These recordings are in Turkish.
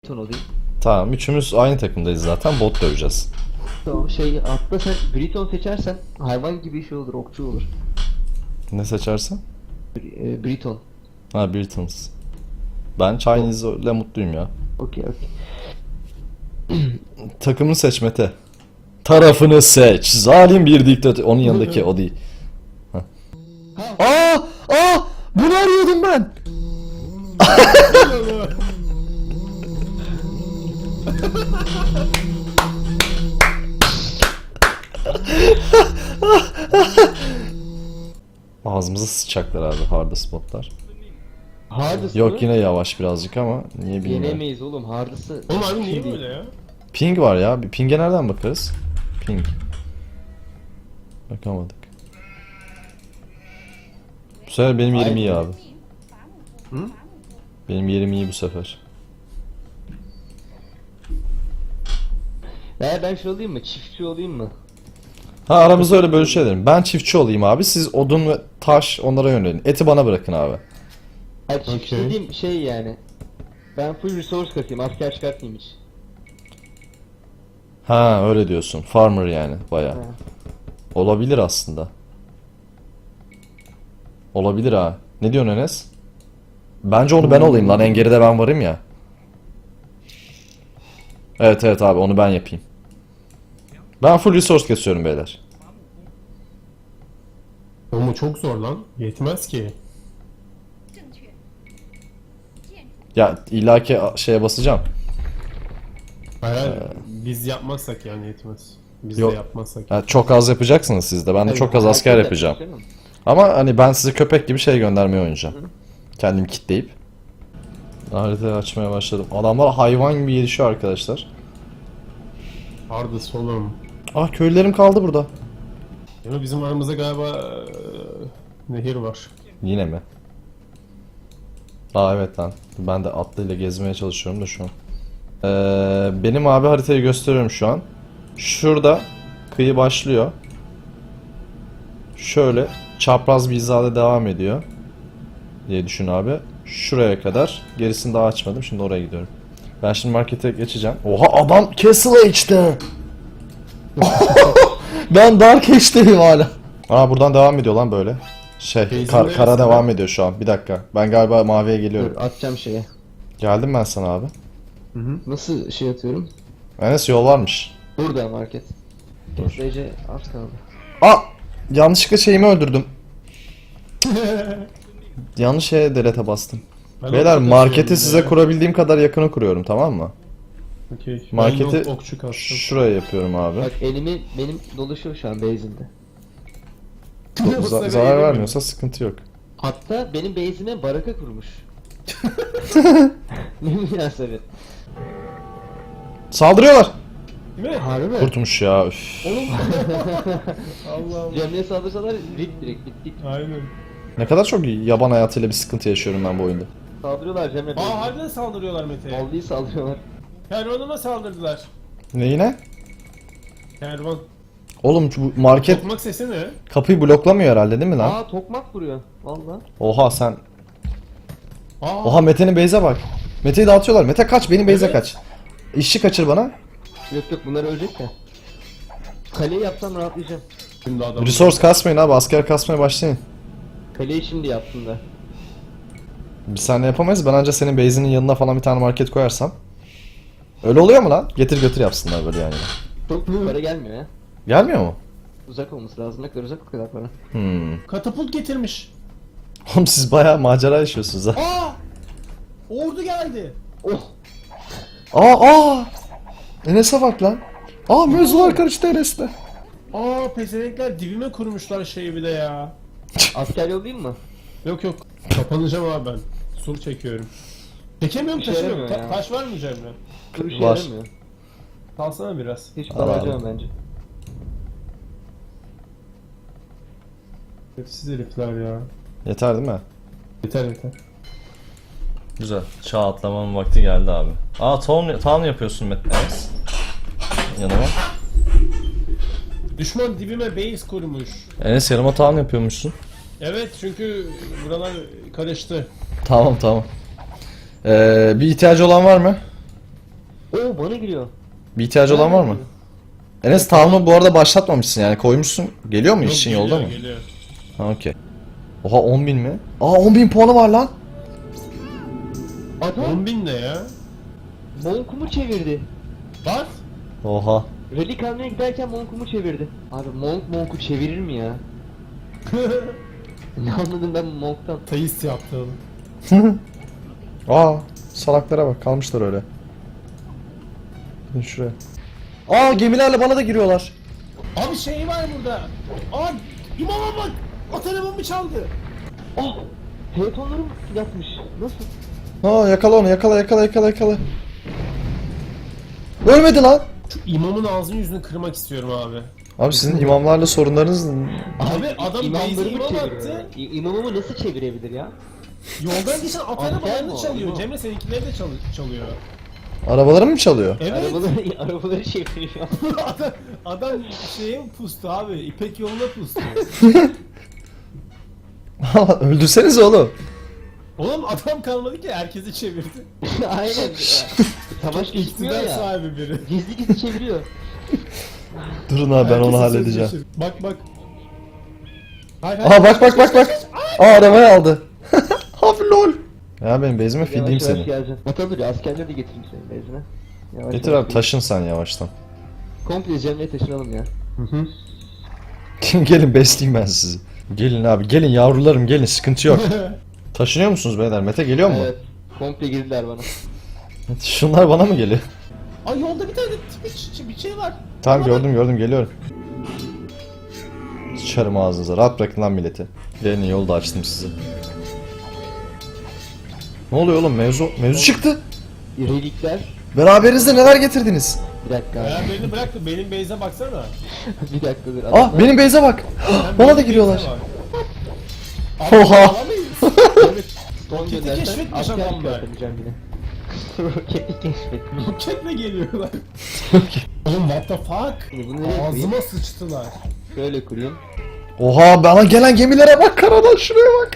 Ton olayım. Tamam, üçümüz aynı takımdayız zaten, bot döveceğiz. Tamam hatta sen Briton seçersen hayvan gibi şey olur, okçu olur. Ne seçersen? Briton. Ha, Britons. Ben Chinese ile mutluyum ya. Okey. Takımını seç Mete. Tarafını seç. Zalim bir diktatör. Onun yanındaki o değil. Ha. Aa! Bunu arıyordum ben. Ağzımıza sıçacaklar abi hard spotlar. Hardest Yok mı? yine yavaş birazcık ama niye bilmiyorum. Yenemeyiz oğlum hardest'ı. Oğlum abi niye böyle ya? Ping var ya. Bir ping'e nereden bakarız? Ping. Bakamadık. Bu sefer benim yerim iyi abi. Hı? Benim yerim iyi bu sefer. Ben şey olayım mı? Çiftçi olayım mı? Ha, aramızda öyle bölüşelim. Ben çiftçi olayım abi. Siz odun ve taş onlara yönelin. Eti bana bırakın abi. Hayır çiftçi Okey. dediğim şey yani. Ben full resource katayım, asker çıkartmayayım hiç. Ha, öyle diyorsun. Farmer yani bayağı. Ha. Olabilir aslında. Olabilir ha. Ne diyorsun Enes? Bence onu ben olayım lan. En geride ben varım ya. Evet abi, onu ben yapayım. Ben full resource kesiyorum beyler. Ama çok zor lan. Yetmez ki. Ya illaki şeye basacağım. Hayır, biz yapmazsak yani yetmez. Biz Yok. de yapmazsak. Ya çok az yapacaksınız siz de. Ben de çok az asker yapacağım. Ama hani ben sizi köpek gibi şey göndermeye oynayacağım. Kendim kitleyip. Haritayı açmaya başladım. Adamlar hayvan gibi gelişiyor arkadaşlar. Hardest oğlum. Ah, köylülerim kaldı burada. Ama bizim aramızda galiba nehir var. Yine mi? Aa evet lan. Ben de atlıyla gezmeye çalışıyorum da şu an. Benim abi haritayı gösteriyorum şu an. Şurada kıyı başlıyor. Şöyle çapraz bir hizada devam ediyor diye düşün abi. Şuraya kadar. Gerisini daha açmadım. Şimdi oraya gidiyorum. Ben şimdi markete geçeceğim. Oha, adam Castle Age'de. Ben Dark Age'deyim hala. Aa, buradan devam ediyor lan böyle. Base'in Kara neresi devam lan? ediyor şu an. Bir dakika. Ben galiba maviye geliyorum. Dur atacağım şeye. Geldim ben sana abi. Nasıl şey atıyorum? Enes, yol varmış. Burada market. Dur. Kesmece az kaldı. Aa! Yanlışlıkla şeyimi öldürdüm. Yanlış şeye delete'e bastım. Ben Beyler, okçu marketi kasıyorum size ya. kurabildiğim kadar yakını kuruyorum, tamam mı? Okey. Marketi Ben okçu kastım. şuraya yapıyorum abi. Bak benim dolaşıyor şu an base'imde. Zarar vermiyorsa sıkıntı yok. Hatta benim base'ime baraka kurmuş. Ne münasebet. Saldırıyorlar. Değil mi? Harbi mi? Kurtmuş ya. Üf. Oğlum. Allah Allah. Cemre'ye saldırsalar rip direkt bittik. Aynen. Ne kadar çok yaban hayatıyla bir sıkıntı yaşıyorum ben bu oyunda. Saldırıyorlar Cemre. Aa harbiden saldırıyorlar Mete'ye. Vallahi saldırıyorlar. Kervanıma saldırdılar. Neyine? Kervan. Oğlum bu market Tokmak sesi ne? kapıyı bloklamıyor herhalde, değil mi lan? Aa tokmak vuruyor. Valla. Oha sen. Aa. Oha, Mete'nin base'e bak. Mete'yi dağıtıyorlar. Mete kaç, benim base'e Evet. kaç. İşçi kaçır bana. Yok bunlar ölecek de. Kaleyi yapsam rahatlayacağım. Şimdi adam. Resource kasmayın abi, asker kasmaya başlayın. Kaleyi şimdi yaptım da. Biz seninle yapamayız. Ben ancak senin base'inin yanına falan bir tane market koyarsam. Öyle oluyor mu lan? Getir götür yapsınlar böyle yani. Çok para gelmiyor ya. Gelmiyor mu? Uzak olması lazım. Ne kadar uzak o kadar para. Katapult getirmiş. Oğlum siz bayağı macera yaşıyorsunuz ha. Aa! Ordu geldi. Oh! Aa! Enes'e bak lan. Aa, mevzular karıştı Enes'te. Aa pezevenkler dibime kurmuşlar şeyi bir de ya. Asker yollayayım mı? Yok yok. Kapanacağım abi ben. Sur çekiyorum. Çekemiyorum, Bir şey taşımıyorum. yaramıyor ya. Taş var mı Cemre? Dur bir şey Var. yaramıyor. Kalsana biraz. Hiç Al para abi. harcamam bence. Hepsiz herifler ya. Yeter değil mi? Yeter yeter. Güzel. Çağ atlamanın vakti geldi abi. Aa, town yapıyorsun Enes. Yanıma. Düşman dibime base kurmuş. Enes, yanıma town yapıyormuşsun. Evet çünkü buralar karıştı. Tamam. Bir ihtiyacı olan var mı? Oo bana giriyor. Bir ihtiyacı olan var mı? Enes tahmini bu arada başlatmamışsın yani koymuşsun. Geliyor mu işin yolda mı? Geliyor. Ha okey. Oha 10.000 mi? Aa 10.000 puanı var lan. Adam 10.000 ne ya? Monkumu çevirdi. Bak. Oha. Relik almaya giderken Monkumu çevirdi. Abi Monk'u çevirir mi ya? Ne anladım ben Monk'tan? Tayis yaptı oğlum. Aa salaklara bak kalmışlar öyle. Gidin şuraya. Aa gemilerle bana da giriyorlar. Abi şey var burada. Aa imama bak. At arabamı çaldı. Oh! Telefonlarım yatmış. Nasıl? Aa yakala onu yakala. Ölmedi lan. Şu imamın ağzını yüzünü kırmak istiyorum abi. Abi sizin imamlarla sorunlarınız Abi adam base'e İmamlarımı imam çeviriyor. attı. İmamımı nasıl çevirebilir ya? Yoldan geçen at Asker mi arabalarını o? çalıyor. İmam. Cemre seninkileri de çalıyor. arabaları mı çalıyor? Evet. Arabaları çeviriyor. adam şeye pustu abi. İpek yoluna pustu. Öldürsenize oğlum. Oğlum adam kalmadı ki herkesi çevirdi. Aynen. Savaş geçmiyor İktidar ya. sahibi biri. Gizli gizli çeviriyor. Durun abi ben Herkesi onu halledeceğim. sözleşir. Bak. Hayır, Aa bak. Aa arabayı aldı. Abi lol. Ya benim bezime filleyim Yavaş yavaş seni. geleceğim. Bakalım dur askerleri de getireyim senin bezine. Yavaş Getir yavaş abi taşın sen yavaştan. Komple Cemre'ye taşınalım ya. Gelin besleyeyim ben sizi. Gelin abi gelin yavrularım gelin sıkıntı yok. Taşınıyor musunuz beyler? Mete geliyor mu? Evet. Komple girdiler bana. Şunlar bana mı geliyor? Ay yolda bir tane bir şey var. Tamam gördüm geliyorum. Sıçarım ağzınıza rahat bırakın lan milleti. Gelin yolu da açtım size. Ne oluyor oğlum mevzu çıktı. Relikler. Beraberinizde neler getirdiniz? Bir dakika abi. Ya beni bırak da benim base'e baksana. Bir dakika dur. Ah benim beyze bak. Sen Bana da benim giriyorlar. base'e bak. Abi, Oha. alamayız. Son Roketi göndersen keşfetmiş asker adamlar. çıkartamayacağım yine. Roketi keşfetmiş. Roketle geliyorlar. Oğlum what the fuck? Bunu nereye koyayım? Ağzıma sıçtılar. Şöyle kurayım. Oha bana gelen gemilere bak karadan şuraya bak.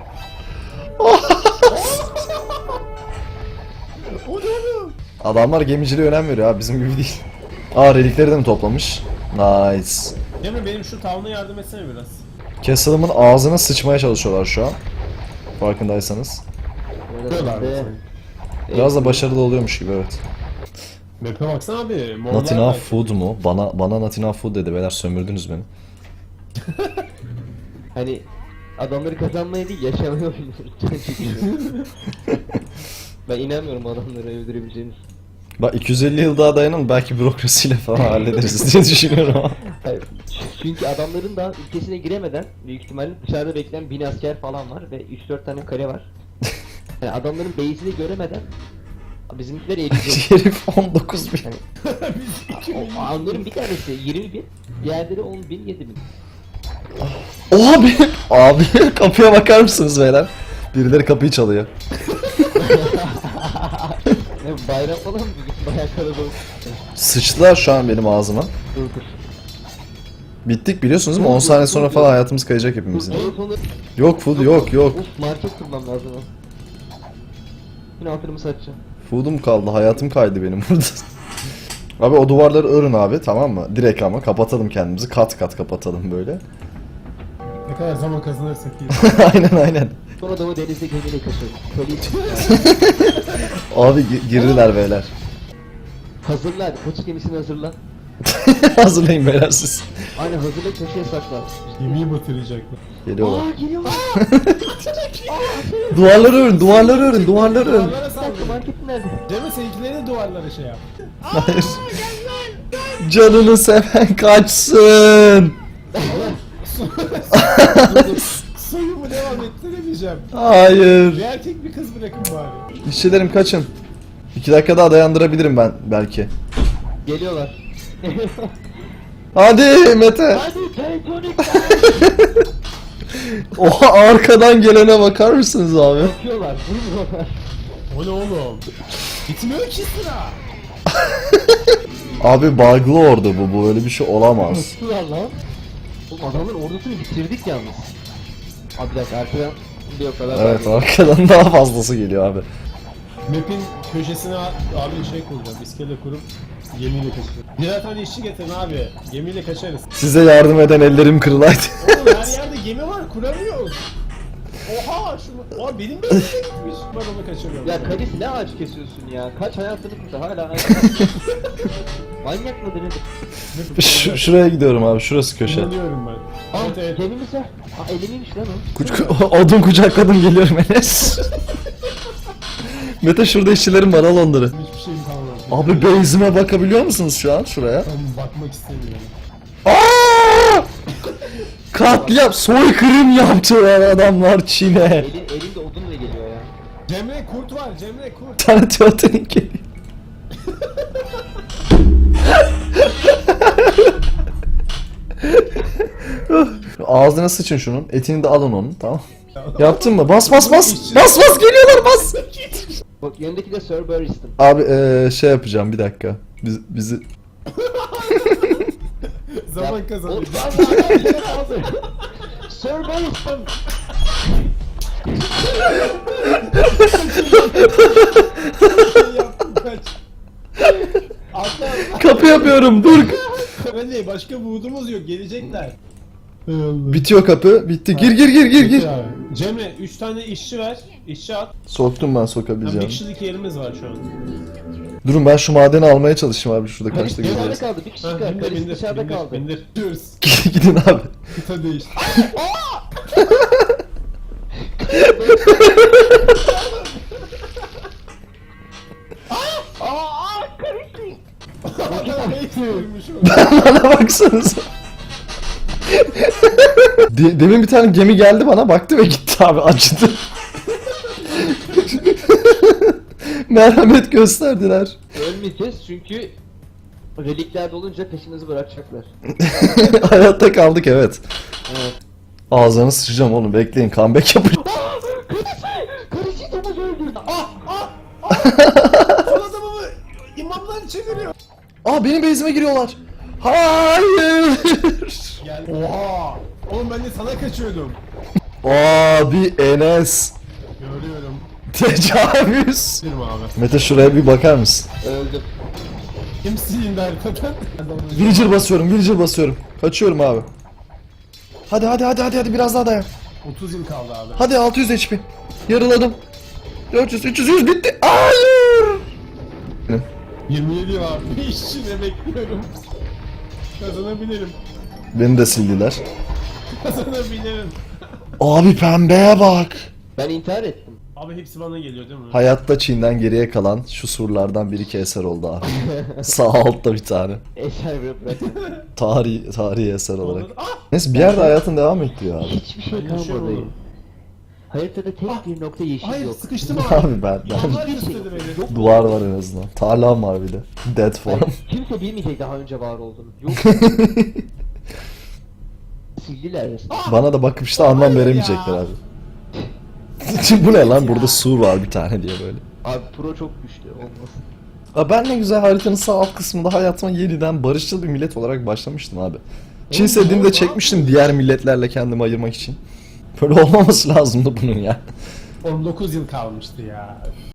O ne oğlum? Adamlar gemiciliğe önem veriyor abi bizim gibi değil. Aa relikleri de mi toplamış? Nice. Cemre benim şu tavana yardım etsene biraz. Castle'ımın ağzına sıçmaya çalışıyorlar şu an. Farkındaysanız. Böyle Diyorlar ben de- mesela. Biraz da başarılı oluyormuş gibi evet. Map'e baksana abi. morlar Not enough var. food mu? Bana not enough food dedi beyler sömürdünüz beni. Hani adamları kazanmaya değil yaşamaya oynuyoruz. Ben inanmıyorum adamları öldürebileceğiniz. Bak 250 yıl daha dayanın belki bürokrasiyle falan hallederiz diye düşünüyorum ama. Hayır, çünkü adamların da ülkesine giremeden büyük ihtimalle dışarıda bekleyen 1000 asker falan var ve 3-4 tane kale var. Yani adamların base'ini göremeden bizimkiler eğilecek. Herif 19 bin. Onların bir tanesi 20 bin, diğerleri 10 bin, 7 bin. Oha benim. Abi kapıya bakar mısınız beyler? Birileri kapıyı çalıyor. Ne bayram falan mı? Bayağı kalabalık. Sıçtılar şu an benim ağzıma. Dur dur. Bittik biliyorsunuz değil mi? 10 saniye sonra falan hayatımız kayacak hepimizin. En sonu... Yok food yok. Uf market kurmam lazım ha. Yine altınımı satacağım. Food'um kaldı. Hayatım kaydı benim burada. Abi o duvarları örün abi tamam mı? Direkt ama kapatalım kendimizi. Kat kat kapatalım böyle. Ne kadar zaman kazanırsak iyi. aynen. Sonra da o denizde gemiyle kaçıyorum. Köleyi Abi girdiler beyler. hazırla hadi. Koç gemisini hazırla. Hazırlayın beyler siz. Aynen hazırla köşeye sakla. Yemeği batıracaklar. Geliyorlar. Aa geliyorlar. Duvarları örün, duvarları örün, duvarları örün. Duvarlara Bir dakika saldırın. marketin nerede? Cemre seninkileri de duvarlara şey yap. Hayır. Canını seven kaçsın. Soyumu devam ettiremeyeceğim. Hayır. Bir erkek bir kız bırakın bari. İşçilerim kaçın. 2 dakika daha dayandırabilirim ben belki. Geliyorlar. Hadi Mete. Hadi Titanic. Oha arkadan gelene bakar mısınız abi? Bakıyorlar. Vurmuyorlar. O ne oğlum? Bitmiyor ki sıra. Abi bug'lı ordu bu böyle bir şey olamaz. Bakıyorlar lan. Oğlum adamların ordusunu bitirdik yalnız. Abi bir dakika arkadan bir o kadar. Evet arkadan daha fazlası geliyor abi. Map'in köşesine abi şey kuracağım. İskele kurup gemiyle kaçacağım. Birer tane işçi getirin abi. Gemiyle kaçarız. Size yardım eden ellerim kırılaydı. Oğlum her yerde gemi var. Kuramıyoruz. Oha şunu. Oha benim benimle gitmiş. Ben onu kaçırıyorum. Ya Kalis ne ağaç kesiyorsun ya? Kaç hayatını kurdu hala ağaç. Manyak mıdır nedir? Şuraya gidiyorum abi. Şurası köşe. Kullanıyorum ben. Aa Evet evet. gemimiz var. Aa elimiymiş lan o. Odun kucakladım geliyorum Enes. Mete şurada işçilerim var al onları. Hiçbir şeyim kalmadı. Abi base'ime bakabiliyor musunuz şu an şuraya? Ben bakmak istemiyorum. Aa! Katliam, soykırım yaptılar adamlar Çin'e. Elinde odunla geliyor ya. Cemre kurt var. Cemre kurt. Bir tane Teotihuacan geliyor. Ağzına sıçın şunun. Etini de alın onun tamam. Yaptın mı? Bas bas bas. Bas bas geliyorlar bas. Bak yanındaki de Sir Barristan. Abi şey yapacağım bir dakika. Bizi Zaman kazanıyor. Sir Barristan. Şey yaptım kaç. Atla. kapı yapıyorum dur. Öyle başka umudumuz yok. Gelecekler. Bitiyor kapı. Bitti. Gir gir gir gir gir. Abi. Cemre 3 tane işçi ver. İşçi at. Soktum ben Bir sokabileceğim. kişilik yerimiz var şu an. Durun ben şu madeni almaya çalışayım abi şurada Kalis kaçta dışarıda gidiyoruz. kaldı. Bir kişi Ha, kaldı. bindir Kalis bindir dışarıda bindir kaldı. bindir. Diyoruz. Gidin abi. Kıta değişti. Bana baksanıza. Demin bir tane gemi geldi bana baktı ve gitti abi acıdı. Merhamet gösterdiler. Ölmeyeceğiz çünkü relikler dolunca peşimizi bırakacaklar. Hayatta kaldık evet. Evet. Ağzını sıçacağım oğlum bekleyin comeback yapacağım. Karıcı domuz öldürdü. Son adamımı imamlar çeviriyor. Aa benim base'ime giriyorlar. Hayır. Gel. Oha. Oğlum ben de sana kaçıyordum. Abi Enes. Görüyorum. Tecavüz. Girme abi. Mete şuraya bir bakar mısın? Öldüm. Kimsin indi haritadan? Villager basıyorum, villager basıyorum. Kaçıyorum abi. Hadi hadi hadi hadi hadi biraz daha dayan. 30 yıl kaldı abi. Hadi 600 HP. Yarıladım. 400 300 100 bitti. Hayır. 27 var. Bir işçine bekliyorum. Kazanabilirim. Beni de sildiler. Kazanabilirim. Abi pembeye bak. Ben intihar ettim. Abi hepsi bana geliyor değil mi? Hayatta Çin'den geriye kalan şu surlardan bir iki eser oldu abi. Sağ altta bir tane. Eser bırak. Tarihi eser olarak. Onları- Ah! Neyse bir yerde hayatın devam ettiriyor abi. Hiçbir şey Ben yaşıyorum kalmadı. oğlum. Haritada tek bir nokta yeşil Hayır yok. sıkıştım abi. Abi ben İmamlar Hiçbir şey istedi yok. beni. duvar var en azından. Tarlam var bir de. Dead form. Yani kimse bilmeyecek daha önce var olduğunu. Yok. Sildiler resmen. Bana da bakıp işte anlam veremeyecekler abi. Bu ne lan burada sur var bir tane diye böyle. Abi pro çok güçlü olmasın. Aa, ben ne güzel haritanın sağ alt kısmında hayatıma yeniden barışçıl bir millet olarak başlamıştım abi. Çin Seddi'ni de çekmiştim diğer milletlerle kendimi ayırmak için. Böyle olmaması lazımdı bunun ya. 19 yıl kalmıştı ya.